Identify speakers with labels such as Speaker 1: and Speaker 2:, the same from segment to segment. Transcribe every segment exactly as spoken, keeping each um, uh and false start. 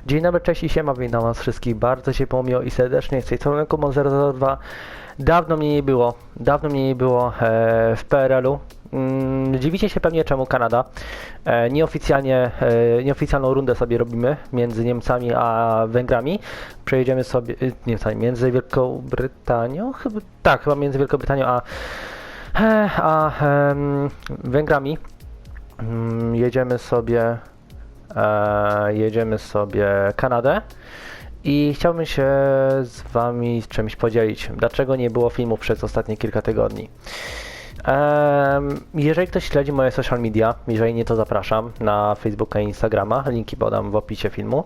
Speaker 1: Dzień dobry, cześć i siema, witam was wszystkich bardzo ciepło, miło i serdecznie. Z tej strony Kumon zero zero dwa. Dawno mnie nie było, dawno mnie nie było e, w P R L u. Mm, dziwicie się pewnie czemu Kanada. E, nieoficjalnie, e, nieoficjalną rundę sobie robimy między Niemcami a Węgrami. Przejedziemy sobie, e, Niemcami, między Wielką Brytanią, chyba, tak, chyba między Wielką Brytanią a, e, a e, Węgrami. Mm, jedziemy sobie, e, jedziemy sobie Kanadę. I chciałbym się z wami czymś podzielić. Dlaczego nie było filmu przez ostatnie kilka tygodni? Um, jeżeli ktoś śledzi moje social media, jeżeli nie, to zapraszam na Facebooka i Instagrama. Linki podam w opisie filmu.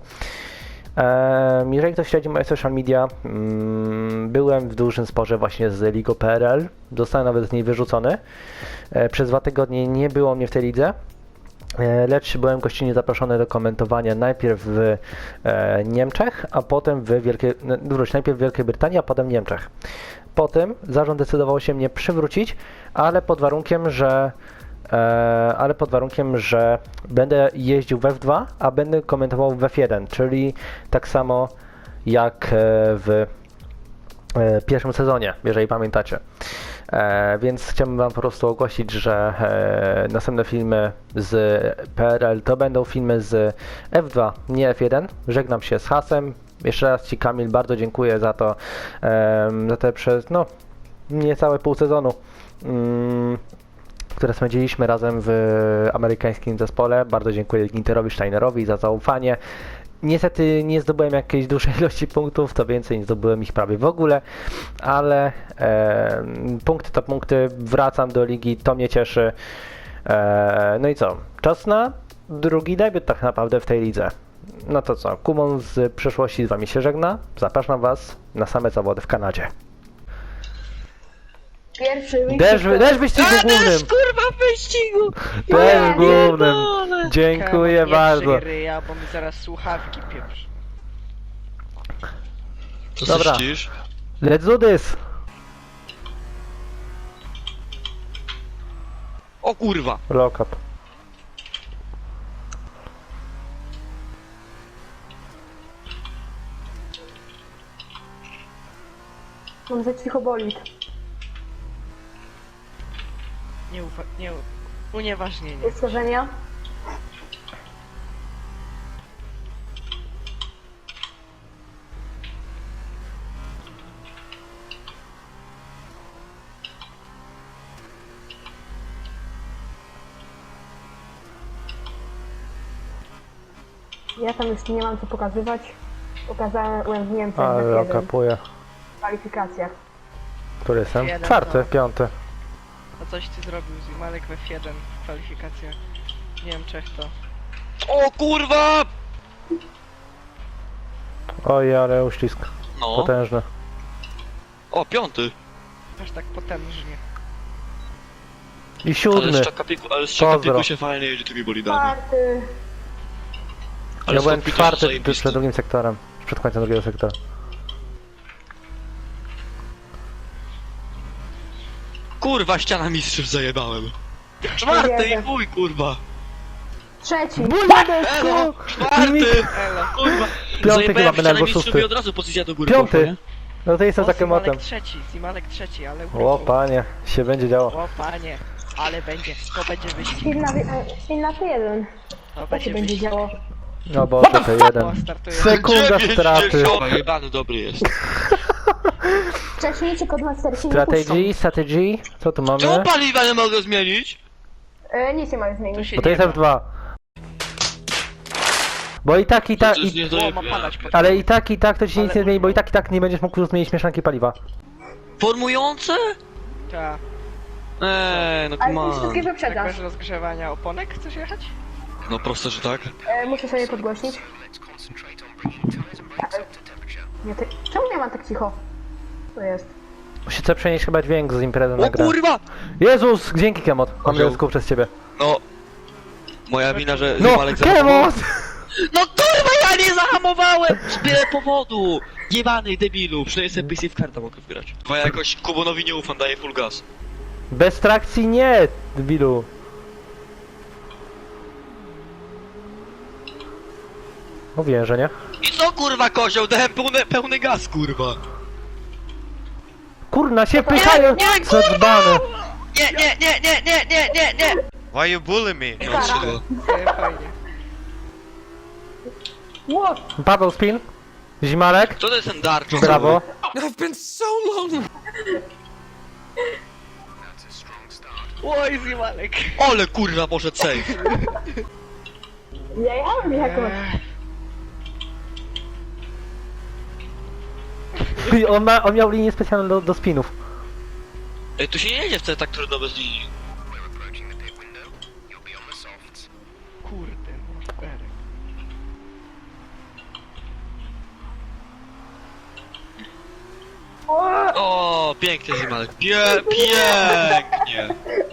Speaker 1: Um, jeżeli ktoś śledzi moje social media, um, byłem w dużym sporze właśnie z ligą P R L. Zostałem nawet z niej wyrzucony. E, przez dwa tygodnie nie było mnie w tej lidze. Lecz byłem gościnnie zaproszony do komentowania najpierw w e, Niemczech, a potem w Wielkiej, wróć, najpierw w Wielkiej Brytanii, a potem w Niemczech. Potem zarząd decydował się mnie przywrócić, ale pod warunkiem, że e, ale pod warunkiem, że będę jeździł w F dwa, a będę komentował w F jeden, czyli tak samo jak w e, pierwszym sezonie, jeżeli pamiętacie. E, więc chciałbym wam po prostu ogłosić, że e, następne filmy z P R L to będą filmy z F dwa, nie F jeden. Żegnam się z hasem. Jeszcze raz ci, Kamil, bardzo dziękuję za to, e, za te przez, no, niecałe pół sezonu, mm, które spędziliśmy razem w amerykańskim zespole. Bardzo dziękuję Ginterowi Steinerowi za zaufanie. Niestety nie zdobyłem jakiejś dużej ilości punktów, to więcej nie zdobyłem ich prawie w ogóle, ale e, punkty to punkty, wracam do ligi, to mnie cieszy. E, no i co? Czas na drugi debiut tak naprawdę w tej lidze. No to co? Kumon z przeszłości z wami się żegna. Zapraszam was na same zawody w Kanadzie.
Speaker 2: Pierwszy
Speaker 1: Deszcz, deszcz w wyścigu
Speaker 3: A,
Speaker 1: głównym!
Speaker 3: też, kurwa, w wyścigu!
Speaker 1: Deszcz głównym!
Speaker 3: pierdolę.
Speaker 1: Dziękuję
Speaker 3: Kawa,
Speaker 1: bardzo.
Speaker 3: Nie ryja, bo mi zaraz słuchawki pieprz.
Speaker 4: Co
Speaker 1: Dobra.
Speaker 4: myślisz?
Speaker 1: Let's do this!
Speaker 4: O kurwa!
Speaker 1: Lock up.
Speaker 2: Mam za cicho bolid.
Speaker 3: Nie ufa... nie... u- Unieważnienie.
Speaker 2: Ustarzenia. Ja tam już nie mam co pokazywać. Pokazałem w Niemczech
Speaker 1: Ale
Speaker 2: w
Speaker 1: lock
Speaker 2: jeden
Speaker 1: upuje.
Speaker 2: w kwalifikacjach.
Speaker 1: Który jestem?
Speaker 3: Jeden,
Speaker 1: Czwarty,
Speaker 3: no.
Speaker 1: piąty.
Speaker 3: A coś ty zrobił z Imalek w F jeden w kwalifikacjach. W Niemczech to...
Speaker 4: O kurwa!
Speaker 1: Oj, ale uścisk.
Speaker 4: No.
Speaker 1: Potężny.
Speaker 4: O, piąty.
Speaker 3: aż tak potężnie.
Speaker 1: I
Speaker 4: Ale
Speaker 1: siódmy.
Speaker 4: z Czakapiku, ale z
Speaker 1: Pozdro.
Speaker 4: Czakapiku się fajnie jedzie tymi bolidami.
Speaker 2: Czwarty.
Speaker 4: Ale
Speaker 1: Ja byłem
Speaker 4: Stockpit
Speaker 1: czwarty
Speaker 4: jest zajebisty.
Speaker 1: przed drugim sektorem. Przed końcem drugiego sektora.
Speaker 4: Kurwa, ściana mistrzów zajebałem. Czwarty i
Speaker 2: Jeden.
Speaker 4: chuj, kurwa.
Speaker 2: Trzeci.
Speaker 4: Elo, czwarty!
Speaker 3: Elo.
Speaker 4: Kurwa.
Speaker 1: Piąty
Speaker 4: Zajebałem
Speaker 1: chyba
Speaker 4: ścianę
Speaker 1: będę, albo
Speaker 4: mistrzów
Speaker 1: szósty.
Speaker 4: i od razu pozycja do góry
Speaker 1: Piąty.
Speaker 4: poszła, nie?
Speaker 1: No to jestem
Speaker 3: O,
Speaker 1: takim motem.
Speaker 3: Zimalek trzeci, Zimalek trzeci, ale
Speaker 1: O
Speaker 3: urodził.
Speaker 1: panie, się będzie działo.
Speaker 3: O panie, ale będzie, to będzie wyścig.
Speaker 2: Inna, inna P jeden.
Speaker 3: To
Speaker 2: To się
Speaker 3: będzie
Speaker 2: będzie
Speaker 3: wyścig.
Speaker 2: działo.
Speaker 1: No bo to
Speaker 3: O,
Speaker 1: jeden.
Speaker 3: startuje.
Speaker 1: Sekunda
Speaker 4: Dziewięć
Speaker 1: straty.
Speaker 4: dziesiąt. Jebany dobry jest.
Speaker 2: Wcześniej kod Master się nie
Speaker 1: Strategy, strategy. Co tu mamy?
Speaker 4: Czemu paliwa nie mogę zmienić?
Speaker 2: puszczą. E, nic nie ma
Speaker 3: Tu
Speaker 2: zmienić.
Speaker 3: się
Speaker 1: Bo to
Speaker 3: nie
Speaker 1: jest
Speaker 3: da.
Speaker 1: F dwa. Bo i tak, i tak,
Speaker 4: To jest
Speaker 1: i,
Speaker 3: O, ma
Speaker 4: niedojebane.
Speaker 3: padać pod...
Speaker 1: ale i tak, i tak to ci nic
Speaker 3: Ale-
Speaker 1: nie zmieni, bo i tak, i tak nie będziesz mógł zmienić mieszanki paliwa.
Speaker 4: Formujące?
Speaker 3: Ta.
Speaker 4: Eee, no
Speaker 2: Ale ty
Speaker 4: come
Speaker 2: wszystkie
Speaker 4: on.
Speaker 3: Tak
Speaker 2: wyprzedzasz.
Speaker 3: bez rozgrzewania oponek chcesz jechać?
Speaker 4: No proste, że tak.
Speaker 2: E, muszę sobie podgłośnić. Nie, ty... Czemu nie ma tak cicho? To jest.
Speaker 1: Muszę przenieść chyba dźwięk z imprezy na
Speaker 4: O
Speaker 1: grę.
Speaker 4: kurwa!
Speaker 1: Jezus, dzięki Kemot. Mam
Speaker 4: Kozioł.
Speaker 1: wiele przez ciebie.
Speaker 4: No. Moja wina, że
Speaker 1: No,
Speaker 4: Zimalek zahamował.
Speaker 1: Kemot!
Speaker 4: No kurwa, ja nie zahamowałem! Z byle powodu! Jebany debilu, przynajmniej sobie P C w kartę mogę wgrać. Bo ja jakoś Kubonowi nie ufam, daję full gas.
Speaker 1: Bez trakcji nie, debilu. Mówiłem, że nie.
Speaker 4: I co kurwa kozioł, dałem pełny, pełny gaz kurwa.
Speaker 1: Kurna, się pychają!
Speaker 4: nie,
Speaker 1: Co dzbany!
Speaker 4: Nie, nie, nie, nie, nie, nie, nie, nie.
Speaker 5: Why you bully me?
Speaker 4: No trzeba.
Speaker 3: Nie, fajnie.
Speaker 2: Ło!
Speaker 1: Paweł Spin. Zimalek.
Speaker 4: Co to jest ten dark?
Speaker 1: Brawo.
Speaker 3: Oj, Zimalek.
Speaker 4: Ole kurwa poszedł safe.
Speaker 2: Ja jałem jakąś.
Speaker 1: Ty, On, ma, on miał linię specjalną do, do spinów.
Speaker 4: Ej, tu się nie jedzie wcale tak trudno bez linii.
Speaker 3: Kurde, morderek.
Speaker 2: O!
Speaker 4: O, pięknie Zimalek. Pie, pięknie.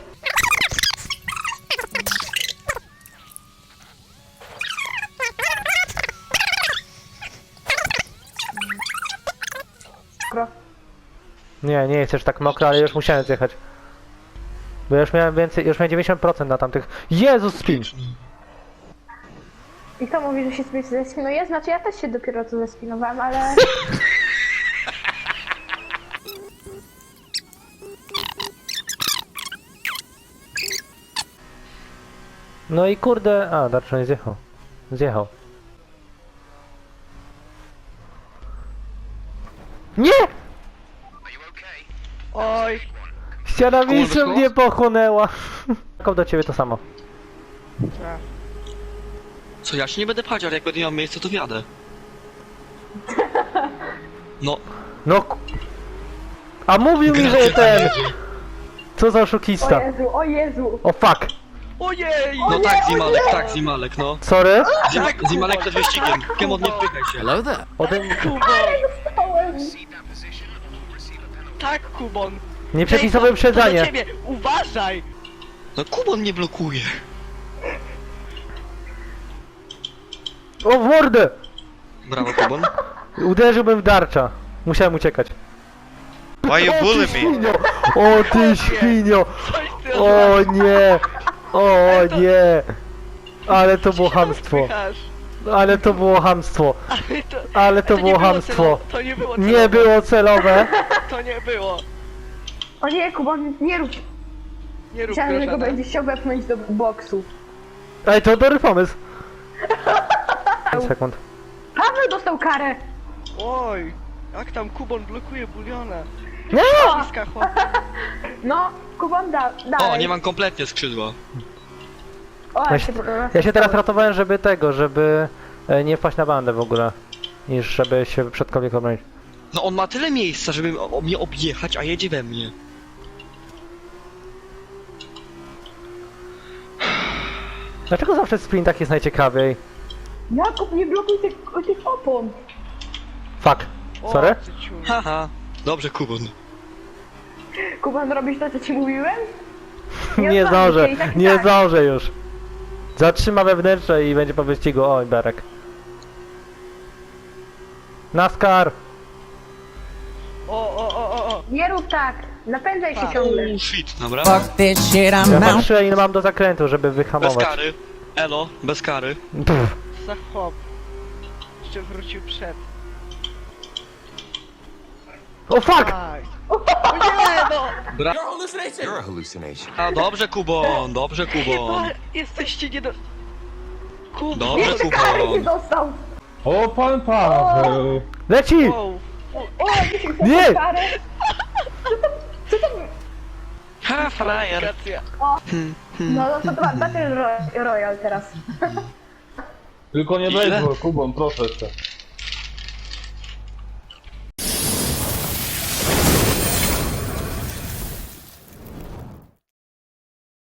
Speaker 2: Kro.
Speaker 1: Nie, nie jest już tak mokro, ale już musiałem zjechać. Bo ja już miałem więcej, już miałem dziewięćdziesiąt procent na tamtych. Jezus, spin!
Speaker 2: I kto mówi, że się sobie zespinuje? Znaczy ja też się dopiero co zespinowałem, ale...
Speaker 1: No i kurde... A, Darczon nie zjechał. Zjechał. Nie!
Speaker 3: Oj,
Speaker 1: Ściana mistrzem
Speaker 4: wyszło?
Speaker 1: mnie pochłonęła. Tylko do ciebie to samo.
Speaker 3: a,
Speaker 4: Co, ja się nie będę pchać, ale jak będę miał miejsce, to wjadę. No,
Speaker 1: No... k- A mówił mi, że ten... Co za
Speaker 2: O
Speaker 1: oszukista.
Speaker 2: Jezu, o Jezu!
Speaker 1: O fuck.
Speaker 3: ojej!
Speaker 4: no tak Zimalek, tak Zimalek, no.
Speaker 1: Sorry.
Speaker 4: Zimalek, Zimalek przed wyścigiem. Kemon, nie wpychaj się.
Speaker 1: Ode...
Speaker 3: Kubon!
Speaker 2: Dostałem!
Speaker 3: Tak, Kubon!
Speaker 1: Nie przepisowe
Speaker 3: Ej, to- to do
Speaker 1: uprzedzanie.
Speaker 3: ciebie, uważaj!
Speaker 4: No Kubon mnie blokuje.
Speaker 1: O, w mordę!
Speaker 4: Brawo Kubon.
Speaker 1: Uderzyłbym w Darcza. Musiałem uciekać.
Speaker 5: Why you
Speaker 1: O
Speaker 5: bully
Speaker 1: ty
Speaker 5: me?
Speaker 1: świnio! O ty świnio!
Speaker 3: Coś ty
Speaker 1: O nie! O nie! Ale to było chamstwo.
Speaker 3: Odpychasz.
Speaker 1: Ale to było chamstwo.
Speaker 3: Ale to,
Speaker 1: Ale to
Speaker 3: nie
Speaker 1: było chamstwo.
Speaker 3: celowe, To nie było celowe.
Speaker 1: Nie było celowe.
Speaker 3: To nie było.
Speaker 2: O nie, Kubon, nie rób!
Speaker 3: Nie rób
Speaker 2: Myślałem, że go
Speaker 3: grożana.
Speaker 2: będziesz chciał wepchnąć do boksu.
Speaker 1: Ej, to dobry pomysł. pięć sekund.
Speaker 2: Paweł dostał karę!
Speaker 3: Oj, jak tam Kubon blokuje buliona.
Speaker 1: Nie!
Speaker 3: Bliska chłop.
Speaker 2: No, Kubon da, dalej.
Speaker 4: O, nie mam kompletnie skrzydła.
Speaker 2: O,
Speaker 1: Ja
Speaker 2: ja
Speaker 1: się,
Speaker 2: się,
Speaker 1: ja się teraz ratowałem, żeby tego, żeby e, nie wpaść na bandę w ogóle. Niż żeby się przodkowie obronić.
Speaker 4: No on ma tyle miejsca, żeby o, o mnie objechać, a jedzie we mnie.
Speaker 1: Dlaczego zawsze w sprintach jest najciekawiej?
Speaker 2: Jakub, nie blokuj tych, tych opon!
Speaker 1: Fuck.
Speaker 3: O,
Speaker 1: Sorry?
Speaker 3: ty ciul.
Speaker 4: Haha. Dobrze Kubon.
Speaker 2: Kubon, robisz to, co ci mówiłem?
Speaker 1: Nie
Speaker 2: odwalisz
Speaker 1: zdążę,
Speaker 2: się i tak i
Speaker 1: nie
Speaker 2: tak.
Speaker 1: zdążę już. Zatrzyma wewnętrzne i będzie po wyścigu. Oj, Berek. NASCAR!
Speaker 3: O, o, o, o, o.
Speaker 2: Nie rób tak! Napędzaj się
Speaker 3: Pa.
Speaker 2: ciągle!
Speaker 4: Oh shit, dobra.
Speaker 6: Fuck this shit, I'm
Speaker 1: Ja
Speaker 6: out.
Speaker 1: patrzę ile mam do zakrętu, żeby
Speaker 4: Bez
Speaker 1: wyhamować.
Speaker 4: kary. Elo, bez kary.
Speaker 1: Pff.
Speaker 3: Za chłop. Jeszcze wrócił przed.
Speaker 1: O fuck!
Speaker 3: Aj. O nie, no!
Speaker 4: Bra
Speaker 7: You're a hallucination.
Speaker 4: a, dobrze Kubon, dobrze Kubon.
Speaker 3: Chyba jesteście nie do... Kubon!
Speaker 4: Dobrze
Speaker 2: Karę nie
Speaker 4: Kubon.
Speaker 2: dostał!
Speaker 8: O, pan Paweł!
Speaker 1: Leci!
Speaker 3: Wow.
Speaker 2: O, jakiś
Speaker 1: Nie!
Speaker 2: dostał karę!
Speaker 4: Ha, frajer.
Speaker 3: Aplikacja.
Speaker 2: No, no to dwa, Battle Ro- Royale teraz.
Speaker 8: Tylko nie
Speaker 4: Ile?
Speaker 8: baseball, Kubon, proszę cię.